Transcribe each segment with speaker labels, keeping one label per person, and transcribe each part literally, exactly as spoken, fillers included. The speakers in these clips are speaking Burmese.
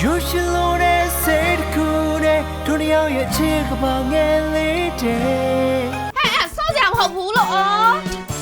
Speaker 1: You should know that said cool day to the young your chick about get later
Speaker 2: ဟဲ့အဲ့စောကြမဟုတ်ဘူးလို့အော်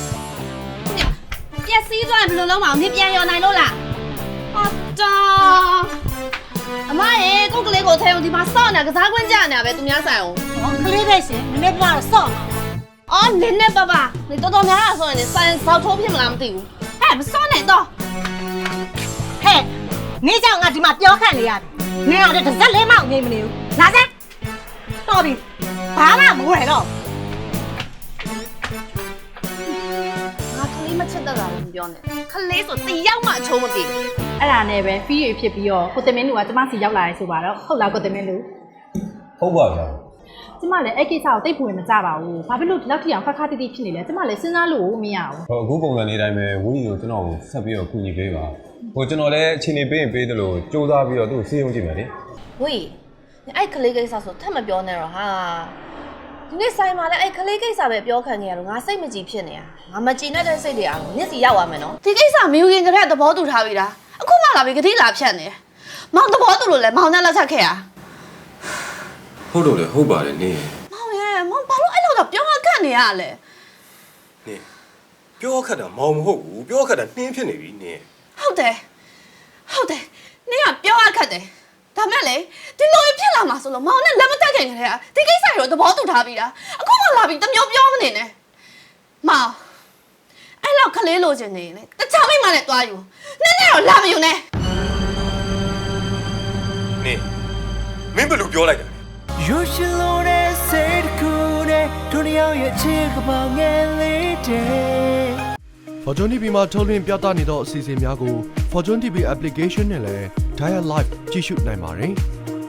Speaker 2: ပြက်စီးသွားဘယ်လိုလုံးမအောင်နင်ပြန်ရောနိုင်လို့လားဟုတ်တော့အမရေကိုကလေးကိုထဲအောင်ဒီမှာစော့နေကစားကွင်းကြနေပဲသူများဆိုင်အောင်
Speaker 3: ဟောကလေးပဲရှင်နည်းနည်းပြတော့စော့မှာ
Speaker 2: အော်နင်းနဲ့ပါပါနေတော်တော်များဆိုရင်ဆိုင်ဆောက်ထိုးဖြစ်မလားမသိဘူးဟဲ့မစော့နဲ့တော့
Speaker 3: ဟဲ့နေကြောင်ငါဒီမှာပြောခန့်နေရတယ်နင်ကလည်းတစ်စက်လေးမှနေမနေဘူးလာစမ်းတော်ပြီဘာမှမဝယ်တော့
Speaker 2: ငါကလေးမချစ်တတ်တာလည်းမပြောနဲ့ကလေးဆိုတယောက်မှအချုံးမသိဘူး
Speaker 4: အဲ့ဒါနဲ့ပဲဖီးရဖြစ်ပြီးတော့ကိုတင်မင်းလူကကျမစီရောက်လာရဲဆိုပါတော့ဟုတ်လားကိုတင်မင်းလူ
Speaker 5: ဟုတ်ပါဗျာ
Speaker 4: ကျမလည်းအဲ့ကိစ္စကိုတိတ်ပူရင်မကြပါဘူးဘာဖြစ်လို့ဒီလောက်ထိအောင်ခက်ခါတိတိဖြစ်နေလဲကျမလည်းစဉ်းစားလို့မရဘူး
Speaker 5: ဟိုအခုပုံစံနေတိုင်းပဲဝင်းကြီးကိုကျွန်တော်ကိုဆက်ပြီးတော့ကူညီပေးပါဟိုကျွန်တော်လည်းအချိန်နေပေးရင်ပေးတယ်လို့စူးစမ်းပြီးတော့သူ့ကိုစီးရုံးကြည့်မယ်လေ
Speaker 2: ဝေးအဲ့ကလေးကိစ္စဆိုထပ်မပြောနဲ့တော့ဟာဒီနေ့ဆိုင်မှာလည်းအဲ့ကလေးကိစ္စပဲပြောခံနေရတော့ငါစိတ်မကြည်ဖြစ်နေတာငါမကြည်နဲ့တဲ့စိတ်တွေအားမျက်စီရောက်သွားမယ်နော်ဒီကိစ္စမယူရင်ကလေးသဘောတူထားပြီလားအခုမှလာပြီကတိလာဖြတ်နေမောင်သဘောတူလို့လဲမောင်နဲ့လက်ချက်ခဲ့ရ
Speaker 6: ဟုတ်တော့လေဟုတ်ပါတယ်နင်
Speaker 2: မောင်ရဲ့မောင်ဘာလို့အဲ့လိုတော့ပြောမှခတ်နေရလဲ
Speaker 6: နင်ပြောခက်တာမောင်မဟုတ်ဘူးပြောခက်တာနှင်းဖြစ်နေပြီနင်
Speaker 2: ဟုတ်တယ်ဟုတ်တယ်နင်ကပြောရခတ်တယ်ဒါမဲ့လေဒီလိုဖြစ်လာမှာဆိုလို့မောင်နဲ့လက်မတက်ခင်ကလေးကဒီကိစ္စရောသဘောတူထားပြီလားအခုမှလာပြီတမျိုးပြောမနေနဲ့မောင်အဲ့လောက်ကလေးလိုချင်နေလေတခြားမိမနဲ့တွားယူနည်းနည်းတော့လာမယူနဲ့
Speaker 6: နင်မင်းဘယ်လိုပြောလိုက်တာ
Speaker 1: You should know that said cool day to the young your chick about get later
Speaker 7: Fortune တီဗီ မှာထုတ်လွှင့်ပြသနေသောအစီအစဉ်များကို Fortune တီဗီ application နဲ့လည်း Dial Live ကြည့်ရှုနိုင်ပါတယ်။